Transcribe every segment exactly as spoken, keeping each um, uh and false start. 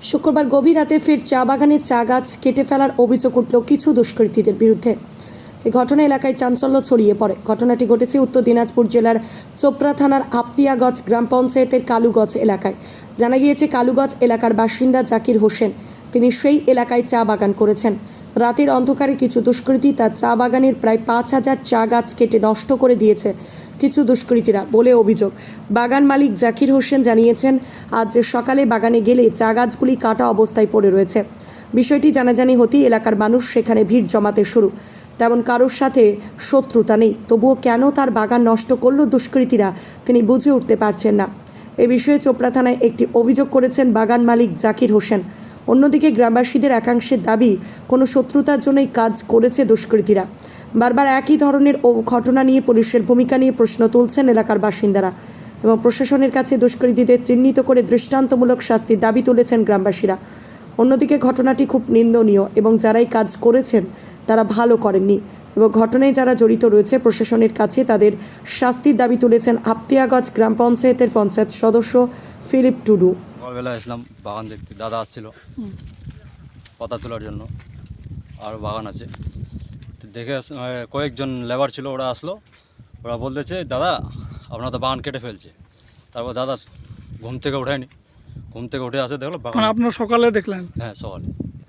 শুক্রবার গভীর রাতে ফের চা বাগানের চা গাছ কেটে ফেলার অভিযোগ উঠল কিছু দুষ্কৃতীদের বিরুদ্ধে। এই ঘটনা এলাকায় চাঞ্চল্য ছড়িয়ে পড়ে। ঘটনাটি ঘটেছে উত্তর দিনাজপুর জেলার চোপড়া থানার আপতিয়াগঞ্জ গ্রাম পঞ্চায়েতের কালুগঞ্জ এলাকায়। জানা গিয়েছে, কালুগঞ্জ এলাকার বাসিন্দা জাকির হোসেন, তিনি সেই এলাকায় চা বাগান করেছেন। রাতের অন্ধকারে কিছু দুষ্কৃতী তার চা বাগানের প্রায় পাঁচ হাজার চা গাছ কেটে নষ্ট করে দিয়েছে কিছু দুষ্কৃতীরা বলে অভিযোগ। বাগান মালিক জাকির হোসেন জানিয়েছেন, আজ সকালে বাগানে গেলে চা গাছগুলি কাটা অবস্থায় পড়ে রয়েছে। বিষয়টি জানাজানি হতেই এলাকার মানুষ সেখানে ভিড় জমাতে শুরু। তেমন কারোর সাথে শত্রুতা নেই, তবুও কেন তার বাগান নষ্ট করল দুষ্কৃতীরা তিনি বুঝে উঠতে পারছেন না। এ বিষয়ে চোপড়া থানায় একটি অভিযোগ করেছেন বাগান মালিক জাকির হোসেন। অন্যদিকে গ্রামবাসীদের একাংশের দাবি, কোনো শত্রুতার জন্যই কাজ করেছে দুষ্কৃতীরা। বারবার একই ধরনের ঘটনা নিয়ে পুলিশের ভূমিকা নিয়ে প্রশ্ন তুলছেন এলাকার বাসিন্দারা এবং প্রশাসনের কাছে দুষ্কৃতীদের চিহ্নিত করে দৃষ্টান্তমূলক শাস্তির দাবি তুলেছেন গ্রামবাসীরা। অন্যদিকে ঘটনাটি খুব নিন্দনীয় এবং যারাই কাজ করেছেন তারা ভালো করেননি এবং ঘটনায় যারা জড়িত রয়েছে প্রশাসনের কাছে তাদের শাস্তির দাবি তুলেছেন আপতিয়াগঞ্জ গ্রাম পঞ্চায়েতের পঞ্চায়েত সদস্য ফিলিপ টুডু। সকালবেলা আসলাম বাগান দেখতে, দাদা আসছিল পাতা তোলার জন্য, আর বাগান আছে দেখে কয়েকজন লেবার ছিল, ওরা আসলো, ওরা বলতেছে দাদা আপনার তো বাগান কেটে ফেলছে। তারপর দাদা ঘুম থেকে ওঠেনি, ঘুম থেকে উঠে আসে দেখলো বাগান। আপনার সকালে দেখলেন? হ্যাঁ সকালে।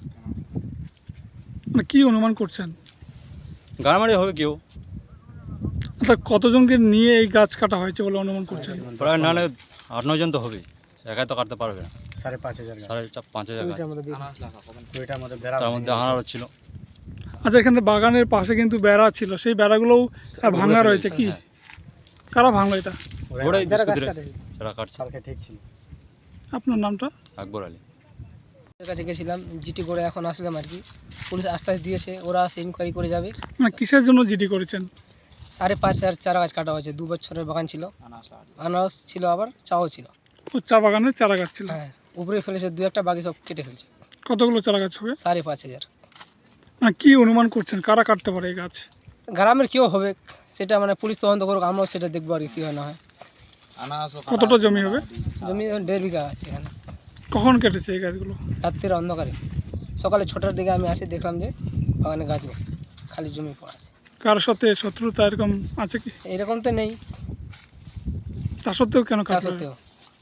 মানে কি অনুমান করছেন? গাড়ামারি হবে কেউ। আচ্ছা, কতজনকে নিয়ে এই গাছ কাটা হয়েছে বলে অনুমান করছেন? প্রায় না আট নয় জন তো হবেই, একাই তো কাটতে পারবে না। সাড়ে পাঁচ হাজার সাড়ে চার পাঁচ হাজার তার মধ্যে আনারও ছিল। আচ্ছা, এখানে বাগানের পাশে কিন্তু বেড়া ছিল, সেই বেড়াগুলোও ভাঙা রয়েছে কি? কারা ভাঙলো এটা? ওরাই যারা কাটছে। ঠিক ছিল। আপনার নামটা? আকবর আলী। ওদের কাছে গেছিলাম, জিটি করে এখন আসলাম আর কি। পুলিশ আশ্বাস দিয়েছে ওরা আসে ইনকোয়ারি করে যাবে। মানে কিসের জন্য জিডি করেছেন? সাড়ে পাঁচ হাজার চারা গাছ কাটা হয়েছে। দু বছরের বাগান ছিল, আনারস ছিল, আবার চাও ছিল। ও চা বাগানের চারা গাছ ছিল? হ্যাঁ, উপরে ফেলেছে দু একটা, বাকি সব কেটে ফেলছে। কতগুলো চারা গাছ হবে? সাড়ে পাঁচ হাজার। মানে কি অনুমান করছেন কারা কাটতে পারে এই গাছ? গ্রামের কেউ হবে সেটা মানে পুলিশ তদন্ত করুক, আমরাও সেটা দেখবো আর কি কী হয় না হয়। কতটা জমি হবে? জমি দেড় বিঘা আছে এখানে। কখন কেটেছে এই গাছগুলো? রাত্রের অন্ধকারে, সকালে ছটার দিকে আমি আসি, দেখলাম যে বাগানে গাছ নেই, খালি জমি পড়া আছে। কার সাথে শত্রুতা এরকম আছে কি? এরকম তো নেই, তা সত্ত্বেও কেন তা কাটলো? সত্ত্বেও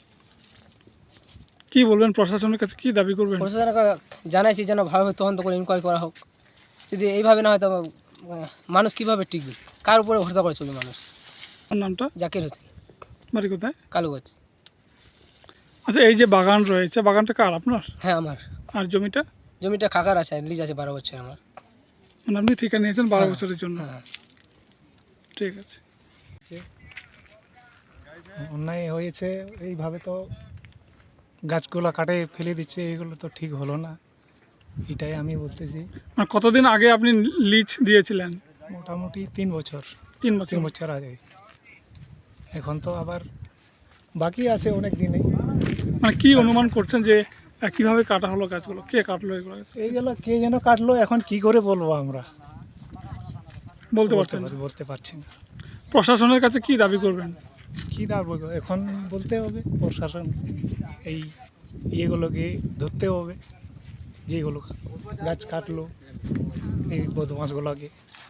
কি বলবেন, প্রশাসনের কাছে কি দাবি করবেন? প্রশাসনকে জানাইছি যেন ভালোভাবে তদন্ত করে ইনকোয়ারি করা হোক। যদি এইভাবে না হয় তো মানুষ কীভাবে টিকবে, কার উপরে ভরসা করে চলবে মানুষ? আপনার নামটা? জাকির হোসেন, বাড়ি কোথায়? কালুগঞ্জ। আচ্ছা, এই যে বাগান রয়েছে, বাগানটা কার, আপনার? হ্যাঁ আমার। আর জমিটা? জমিটা কাকার আছে, লিজ আছে বারো বছর আমার। মানে আপনি ঠিকা নিয়েছেন বারো হ্যাঁ, বছরের জন্য? হ্যাঁ। ঠিক আছে। অন্যায় হয়েছে, এইভাবে তো গাছগুলো কাটে ফেলে দিচ্ছে, এগুলো তো ঠিক হলো না, এটাই আমি বলতেছি। মানে কতদিন আগে আপনি লিজ দিয়েছিলেন? মোটামুটি তিন বছর তিন বছর তিন বছর আগে। এখন তো আবার বাকি আছে অনেক দিনে। মানে কি অনুমান করছেন যে আহ, কিভাবে কাটা হলো গাছগুলো, কে কাটলো এগুলো? এইগুলো কে যেন কাটলো, এখন কি করে বলবো আমরা? বলতে বলতে পারছেন না? পারি বলতে পারছি না। প্রশাসনের কাছে কি দাবি করবেন? কী দাঁড়বো এখন বলতে হবে, প্রশাসন এই ইয়েগুলোকে ধরতে হবে, যেগুলো গাছ কাটলো এই বদমাশগুলোকে।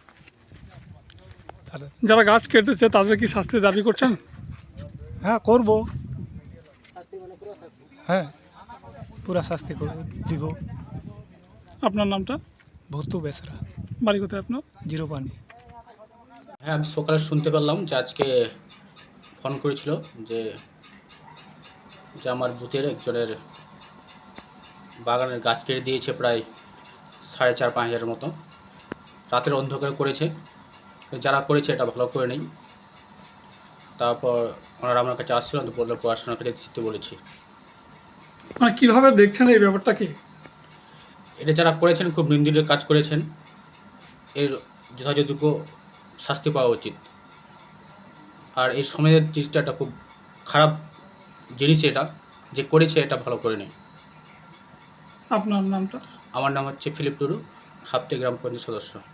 তারা যারা গাছ কেটেছে তাদের কি শাস্তি দাবি করছেন? হ্যাঁ করব, হ্যাঁ পুরা শাস্তি করব, দিব। আপনার নামটা? ভর্তু বেসরা। বাড়ি কোথায় আপনার? জিরো পানি। হ্যাঁ, আমি সকালে শুনতে পারলাম যে আজকে ফোন করেছিল যে যে আমার বুথের একজনের বাগানের গাছ কেটে দিয়েছে প্রায় সাড়ে চার পাঁচ হাজারের মতো। রাতের অন্ধকার করেছে, যারা করেছে এটা ভালো করে নেই। তারপর ওনারা আমার কাছে আসছিল, তো বললো পড়াশোনা করে দিতে বলেছি। মানে কীভাবে দেখছেন এই ব্যাপারটা কি? এটা যারা করেছেন খুব নিন্দনীয় কাজ করেছেন, এর যথাযোগ্য শাস্তি পাওয়া উচিত। আর এই সমাজের জিনিসটা একটা খুব খারাপ জিনিস, এটা যে করেছে এটা ভালো করে নেই। আপনার নামটা? আমার নাম হচ্ছে ফিলিপ টুডু, হাপ্তে গ্রাম পঞ্চায়েত সদস্য।